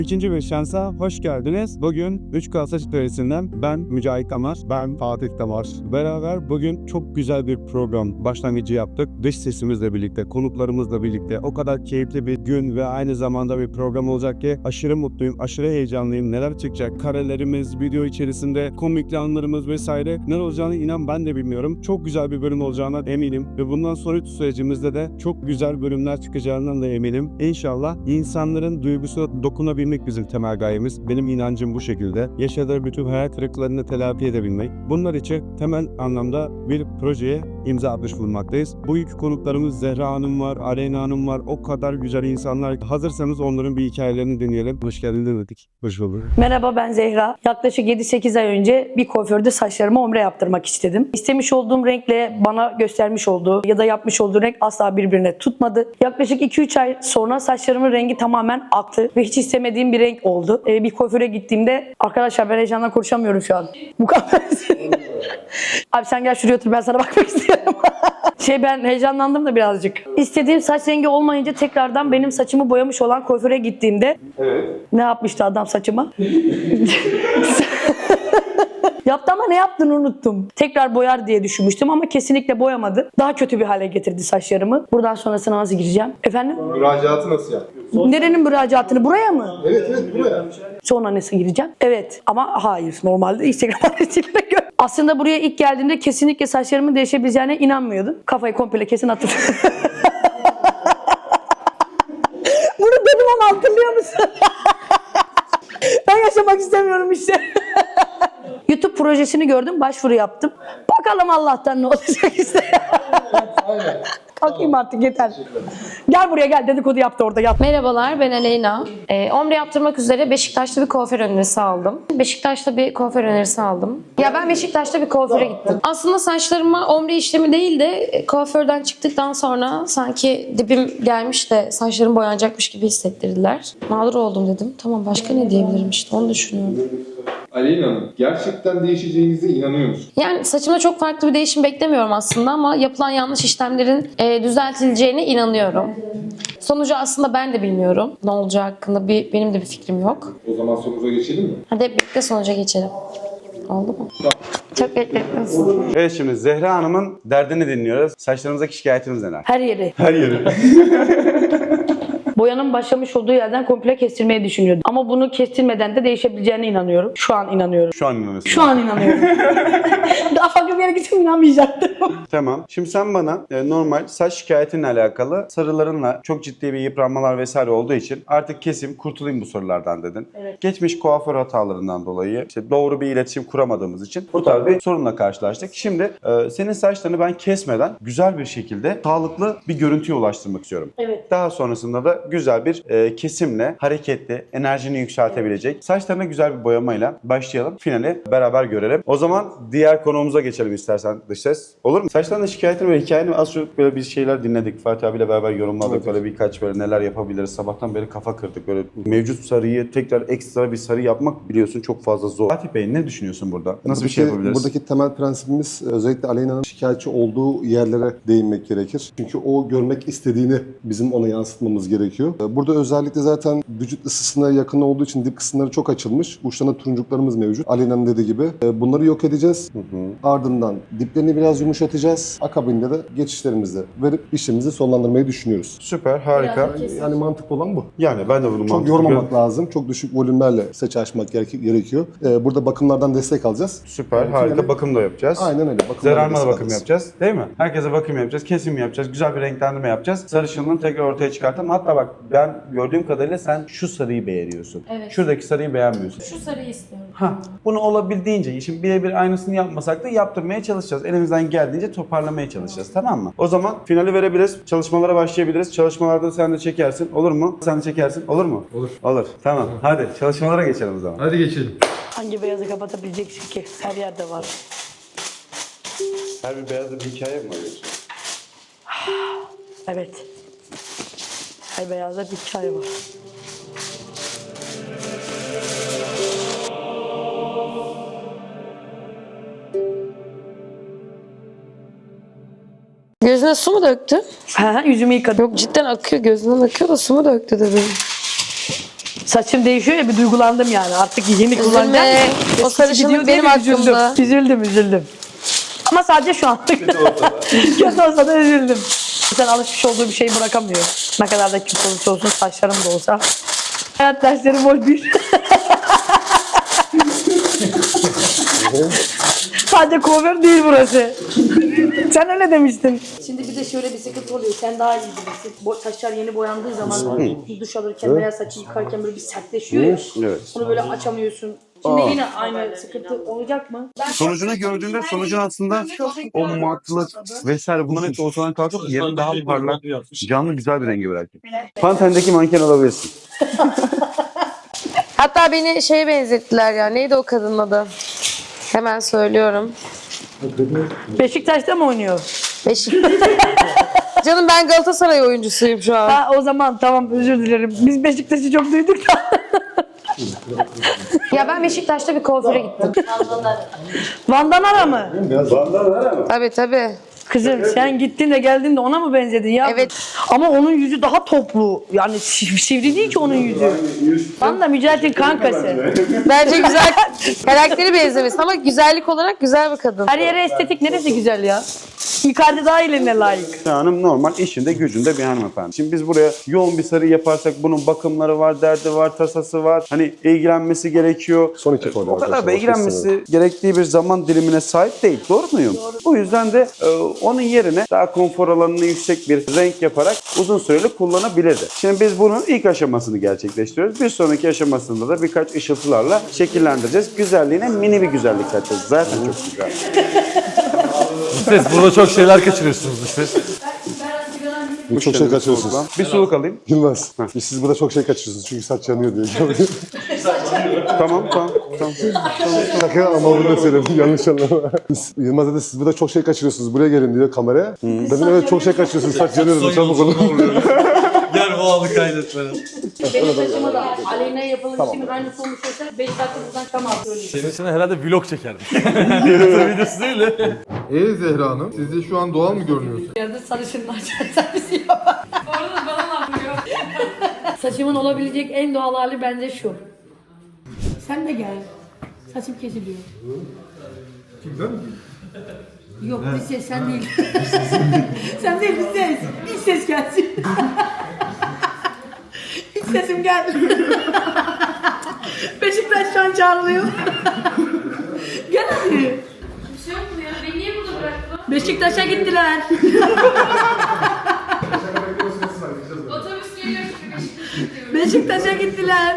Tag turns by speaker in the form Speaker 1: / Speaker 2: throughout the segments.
Speaker 1: İkinci bir şansa hoş geldiniz. Bugün 3K Saç Atölyesi'nden ben Mücahit Damar, ben Fatih Damar. Beraber bugün çok güzel bir program başlangıcı yaptık. Dış sesimizle birlikte, konuklarımızla birlikte o kadar keyifli bir gün ve aynı zamanda bir program olacak ki aşırı mutluyum, aşırı heyecanlıyım. Neler çıkacak? Karelerimiz, video içerisinde komikli anlarımız vesaire neler olacağını inan ben de bilmiyorum. Çok güzel bir bölüm olacağına eminim ve bundan sonraki sürecimizde de çok güzel bölümler çıkacağından da eminim. İnşallah insanların duygusuna dokunabilmek bizim temel gayemiz. Benim inancım bu şekilde. Yaşadığı bütün hayal kırıklarını telafi edebilmek. Bunlar için temel anlamda bir projeye imza atmış bulunmaktayız. Bugünkü konuklarımız Zehra Hanım var, Aleyna Hanım var. O kadar güzel insanlar. Hazırsanız onların bir hikayelerini dinleyelim. Hoş geldiniz dedik. Hoş bulduk.
Speaker 2: Merhaba, ben Zehra. Yaklaşık 7-8 ay önce bir kuaförde saçlarımı ombre yaptırmak istedim. İstemiş olduğum renkle bana göstermiş olduğu ya da yapmış olduğu renk asla birbirine tutmadı. Yaklaşık 2-3 ay sonra saçlarımın rengi tamamen aktı ve hiç istemediğim bir renk oldu. Bir kuaföre gittiğimde, arkadaşlar ben heyecandan konuşamıyorum şu an. Bu kadar. Abi sen gel şuraya otur, ben sana bakmak istiyorum. Ben heyecanlandım da birazcık. İstediğim saç rengi olmayınca tekrardan benim saçımı boyamış olan kuaföre gittiğimde ne yapmıştı adam saçıma? Yaptı ama ne yaptığını unuttum. Tekrar boyar diye düşünmüştüm ama kesinlikle boyamadı. Daha kötü bir hale getirdi saçlarımı. Buradan sonrasına nasıl gireceğim? Efendim?
Speaker 3: Müracaatı nasıl yapıyorsun?
Speaker 2: Nerenin müracaatını? Buraya mı?
Speaker 3: Evet buraya.
Speaker 2: Sonra nasıl gireceğim? Evet ama hayır. Normalde Instagram adresine göre. Aslında buraya ilk geldiğimde kesinlikle saçlarımın değişebileceğine inanmıyordum. Kafayı komple kesin attım. Bunu dedim ama hatırlıyor musun? Ben yaşamak istemiyorum işte. YouTube projesini gördüm, başvuru yaptım. Bakalım Allah'tan ne olacak işte. Kalkayım artık, yeter. Gel buraya gel, dedikodu yaptı orada, yap.
Speaker 4: Merhabalar, ben Aleyna. Ombre yaptırmak üzere Beşiktaş'ta bir kuaför önerisi aldım. Ya ben Beşiktaş'ta bir kuaföre gittim. Aslında saçlarıma ombre işlemi değil de kuaförden çıktıktan sonra sanki dibim gelmiş de saçlarım boyanacakmış gibi hissettirdiler. Mağdur oldum dedim. Tamam, başka ne diyebilirim işte, onu düşünüyorum.
Speaker 3: Aleyna Hanım, gerçekten değişeceğinize inanıyor musunuz?
Speaker 4: Yani saçımda çok farklı bir değişim beklemiyorum aslında ama yapılan yanlış işlemlerin düzeltileceğine inanıyorum. Sonucu aslında ben de bilmiyorum. Ne olacağı hakkında benim de bir fikrim yok.
Speaker 3: O zaman sonuca geçelim mi?
Speaker 4: Hadi hep birlikte sonuca geçelim. Oldu mu? Çok bekletmez.
Speaker 1: Evet, şimdi Zehra Hanım'ın derdini dinliyoruz. Saçlarımızdaki şikayetiniz neler?
Speaker 2: Her yeri.
Speaker 1: Her yeri.
Speaker 2: Boyanın başlamış olduğu yerden komple kestirmeyi düşünüyordum. Ama bunu kestirmeden de değişebileceğine inanıyorum. Şu an inanıyorum.
Speaker 1: Şu an inanıyorsun.
Speaker 2: Şu an inanıyorum. Daha farklı bir yere gitsem inanmayacaktım.
Speaker 1: Tamam. Şimdi sen bana normal saç şikayetinle alakalı sarılarınla çok ciddi bir yıpranmalar vesaire olduğu için artık keseyim, kurtulayım bu sorulardan dedin.
Speaker 2: Evet.
Speaker 1: Geçmiş kuaför hatalarından dolayı işte doğru bir iletişim kuramadığımız için bu tarz bir sorunla karşılaştık. Şimdi senin saçlarını ben kesmeden güzel bir şekilde sağlıklı bir görüntüye ulaştırmak istiyorum.
Speaker 2: Evet.
Speaker 1: Daha sonrasında da güzel bir kesimle, hareketli, enerjini yükseltebilecek saçlarına güzel bir boyamayla başlayalım. Finali beraber görelim. O zaman diğer konuğumuza geçelim istersen, dış ses. Olur mu? Saçlarına şikayetini ve hikayeni az çok böyle bir şeyler dinledik. Fatih abiyle beraber yorumladık.
Speaker 3: Evet.
Speaker 1: Böyle birkaç böyle neler yapabiliriz. Sabahtan beri kafa kırdık. Böyle mevcut sarıyı tekrar ekstra bir sarı yapmak biliyorsun çok fazla zor. Fatih Bey ne düşünüyorsun burada? Nasıl bir şey yapabiliriz?
Speaker 5: Buradaki temel prensibimiz özellikle Aleyna'nın şikayetçi olduğu yerlere değinmek gerekir. Çünkü o görmek istediğini bizim ona yansıtmamız gerekiyor. Burada özellikle zaten vücut ısısına yakın olduğu için dip kısımları çok açılmış. Uçlarında turuncuklarımız mevcut. Aleyna'nın dediği gibi. Bunları yok edeceğiz. Ardından diplerini biraz yumuşatacağız. Akabinde de geçişlerimizi verip işlemimizi sonlandırmayı düşünüyoruz.
Speaker 1: Süper, harika.
Speaker 5: Yani mantıklı olan bu.
Speaker 1: Yani ben de bunu
Speaker 5: Çok
Speaker 1: mantıklı
Speaker 5: yormamak lazım. Çok düşük volümlerle saç açmak gerekiyor. Burada bakımlardan destek alacağız.
Speaker 1: Süper, harika. Bakım da yapacağız.
Speaker 5: Aynen öyle.
Speaker 1: Zerarma da bakım yapacağız. Değil mi? Herkese bakım yapacağız. Kesim yapacağız. Güzel bir renklendirme yapacağız. Sarışınlığını tekrar ortaya çıkartalım. Hatta bak ben gördüğüm kadarıyla sen şu sarıyı beğeniyorsun.
Speaker 4: Evet.
Speaker 1: Şuradaki sarıyı beğenmiyorsun.
Speaker 4: Şu sarıyı istiyorum.
Speaker 1: Bunu olabildiğince, şimdi birebir aynısını yapmasak da yaptırmaya çalışacağız. Elimizden geldiğince toparlamaya çalışacağız. Tamam mı? O zaman finali verebiliriz. Çalışmalara başlayabiliriz. Çalışmalarda sen de çekersin. Olur mu? Sen de çekersin. Olur mu?
Speaker 3: Olur.
Speaker 1: Olur. Tamam. Hadi çalışmalara geçelim o zaman.
Speaker 3: Hadi geçelim.
Speaker 2: Hangi beyazı kapatabileceksin ki? Her yerde var.
Speaker 1: Her bir beyazda bir hikaye mi var?
Speaker 2: Evet. Her beyazda bir hikaye var.
Speaker 4: Gözüne su mu döktü?
Speaker 2: Yüzümü yıkadım.
Speaker 4: Yok, cidden akıyor, gözünden akıyor da su mu döktü dedim.
Speaker 2: Saçım değişiyor ya bir duygulandım yani. Artık yeni kullanacağım.
Speaker 4: O
Speaker 2: Eskisi
Speaker 4: sarışınlık
Speaker 2: gidiyor diye
Speaker 4: benim
Speaker 2: bir üzüldüm.
Speaker 4: aklımda.
Speaker 2: Üzüldüm. Ama sadece şu anlık. Kötü olsa da üzüldüm. Sen alışmış olduğu bir şeyi bırakamıyor. Ne kadar da kötü olursa olsun, saçlarım da olsa. Hayat dersleri bol bir. Sadece kuaför değil burası. Sen öyle demiştin. Şimdi bir de şöyle bir sıkıntı oluyor. Sen daha iyi bilirsin. Saçlar yeni boyandığı zaman duş alırken veya saçı yıkarken böyle bir sertleşiyor ya.
Speaker 1: Evet.
Speaker 2: Onu böyle açamıyorsun. Şimdi yine aynı sıkıntı olacak mı?
Speaker 1: Sonucunu gördüğünde sonucun aslında o matlık vesaire bunların hepsi ortadan kalkıp yerini daha parlak, canlı güzel bir rengi bırakıyor. Pantendeki manken alabilirsin.
Speaker 4: Hatta beni şeye benzettiler ya. Neydi o kadının adı? Hemen söylüyorum.
Speaker 2: Beşiktaş'ta mı oynuyor?
Speaker 4: Canım ben Galatasaray oyuncusuyum şu an.
Speaker 2: Ha o zaman tamam özür dilerim. Biz Beşiktaş'ı çok duyduk da.
Speaker 4: Ya ben Beşiktaş'ta bir kuaföre gittim.
Speaker 2: Van Danara mı?
Speaker 4: Tabii.
Speaker 2: Kızım sen gittin de geldin de ona mı benzedin ya?
Speaker 4: Evet.
Speaker 2: Ama onun yüzü daha toplu. Yani sivri değil ki onun yüzü. Van da Mücahit'in kankası.
Speaker 4: Bence güzel karakteri benzemesin ama güzellik olarak güzel bir kadın.
Speaker 2: Her yere estetik neresi güzel ya? Icardi daha eline layık.
Speaker 1: Hanım normal işinde gücünde bir hanımefendi. Şimdi biz buraya yoğun bir sarı yaparsak bunun bakımları var, derdi var, tasası var. Hani ilgilenmesi gerekiyor.
Speaker 5: Son iki folyo
Speaker 1: O kadar da
Speaker 5: arkadaşlar,
Speaker 1: ilgilenmesi gerektiği bir zaman dilimine sahip değil. Doğru muyum? Bu yüzden de onun yerine daha konfor alanını yüksek bir renk yaparak uzun süreli kullanabilirdi. Şimdi biz bunun ilk aşamasını gerçekleştiriyoruz. Bir sonraki aşamasında da birkaç ışıltılarla şekillendireceğiz. Güzelliğine mini bir güzellik katacağız. Zaten çok güzel.
Speaker 6: Siz burada çok şeyler kaçırıyorsunuz işte.
Speaker 5: Çok şey kaçırıyorsunuz.
Speaker 1: Bir soluk alayım.
Speaker 5: Yılmaz. Siz burada çok şey kaçırıyorsunuz çünkü saç yanıyor diye.
Speaker 1: Tamam.
Speaker 5: Şaka ama bunu da söyleyeyim. Yanlış anlama. Yılmaz dedi siz burada çok şey kaçırıyorsunuz. Buraya gelin diyor kameraya. Dedim evet çok şey kaçırıyorsunuz. Saç yanıyor dedim. Çabuk olun.
Speaker 6: Gel bu anı kaydetmene.
Speaker 2: Benim saçıma da Aleyna'ya yapılan işimin aynısı olmuş olsa 5 dakika buradan tamam söyleyeyim.
Speaker 6: Senin için herhalde vlog çekerdik. YouTube videosu değil de.
Speaker 3: Zehra Hanım, sizce şu an doğal mı görünüyorsunuz?
Speaker 2: Yerde sarışınlar servisi yapar.
Speaker 7: Orada bana laf vuruyor.
Speaker 2: Saçımın olabilecek en doğal hali bence şu. Sen de gel. Saçım kesiliyor.
Speaker 3: Kimden mi?
Speaker 2: Yok bir ses sen değil. Sen değil bir ses. Bir ses gelsin. İç sesim geldi. Beşiktaş'tan çağrılıyor. Gel hadi.
Speaker 7: Bir şey yok mu ya? Beni niye burada bıraktın?
Speaker 2: Beşiktaş'a gittiler.
Speaker 7: Otobüs geliyor çünkü Beşiktaş'a gidiyorum.
Speaker 2: Beşiktaş'a gittiler.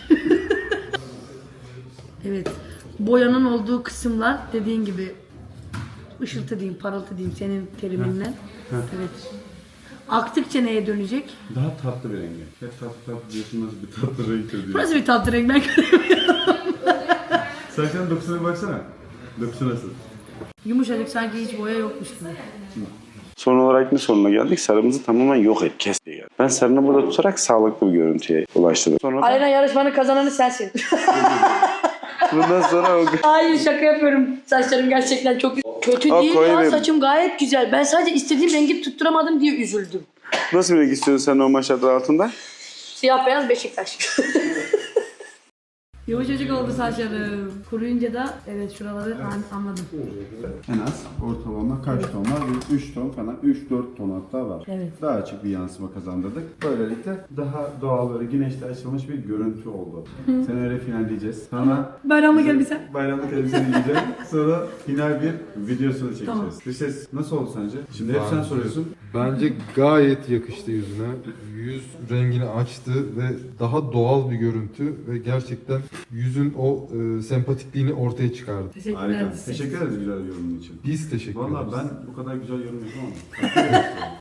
Speaker 2: Evet. Boyanın olduğu kısımlar dediğin gibi ışıltı diyeyim, parıltı diyeyim senin teriminle. Evet. Aktıkça neye dönecek?
Speaker 1: Daha tatlı bir rengi. Hep tatlı diyorsun nasıl bir tatlı renk diyor.
Speaker 2: Burası bir tatlı renk ben göremiyorum.
Speaker 1: Saçların dokusuna baksana. Dokusu nasıl?
Speaker 2: Yumuşacık sanki hiç boya yokmuş gibi.
Speaker 1: Son olarak ne soruna geldik? Sarımızı tamamen yok et, kes diye geldik. Ben sarını burada tutarak sağlıklı bir görüntüye ulaştırdım. Sonra
Speaker 2: Alena yarışmanın kazananı sensin.
Speaker 1: bundan sonra o...
Speaker 2: Hayır şaka yapıyorum. Saçlarım gerçekten çok kötü değil ya. Saçım gayet güzel. Ben sadece istediğim rengi tutturamadım diye üzüldüm.
Speaker 1: Nasıl bir renk istiyorsun sen normal şartlar altında?
Speaker 2: Siyah beyaz Beşiktaş. Yumuşacık oldu saçlarım. Kuruyunca da evet şuraları anladım.
Speaker 1: En az ortalama kaç ton var? 3 ton falan, 3-4 ton hatta var.
Speaker 2: Evet.
Speaker 1: Daha açık bir yansıma kazandırdık. Böylelikle daha doğal böyle güneşte açılmış bir görüntü oldu. Seni öyle finalleyeceğiz. Sonra
Speaker 2: Bayramlık elbise.
Speaker 1: bayramlık elbiseni giyeceğim. Sonra final bir videosunu çekeceğiz.
Speaker 2: Tamam.
Speaker 1: Bir ses nasıl oldu sence? Şimdi hep sen soruyorsun.
Speaker 8: Bence gayet yakıştı yüzüne. Yüz rengini açtı ve daha doğal bir görüntü ve gerçekten yüzün o sempatikliğini ortaya çıkardı.
Speaker 1: Harika. Teşekkür ederiz güzel yorumun için.
Speaker 8: Biz teşekkür ederiz.
Speaker 1: Valla ben bu kadar güzel yorum yapamam.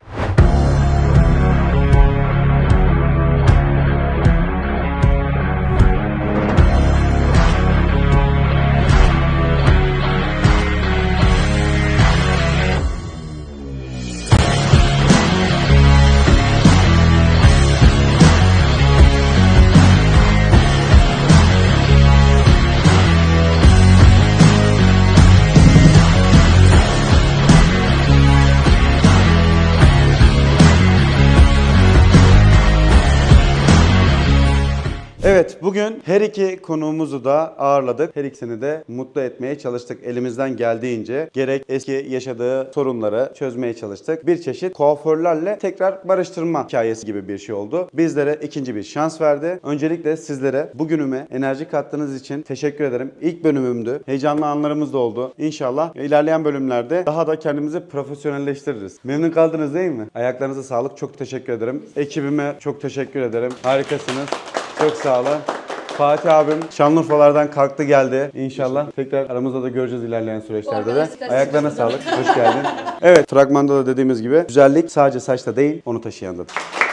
Speaker 1: her iki konuğumuzu da ağırladık. Her ikisini de mutlu etmeye çalıştık elimizden geldiğince. Gerek eski yaşadığı sorunları çözmeye çalıştık. Bir çeşit kuaförlerle tekrar barıştırma hikayesi gibi bir şey oldu. Bizlere ikinci bir şans verdi. Öncelikle sizlere bugünüme enerji kattığınız için teşekkür ederim. İlk bölümümdü. Heyecanlı anlarımız da oldu. İnşallah ilerleyen bölümlerde daha da kendimizi profesyonelleştiririz. Memnun kaldınız değil mi? Ayaklarınıza sağlık. Çok teşekkür ederim. Ekibime çok teşekkür ederim. Harikasınız. Çok sağ olun. Fatih abim Şanlıurfalardan kalktı geldi. İnşallah tekrar aramızda da göreceğiz ilerleyen süreçlerde de. Ayaklarına sağlık. Hoş geldin. Evet, fragmanda da dediğimiz gibi güzellik sadece saçta değil, onu taşıyandadır.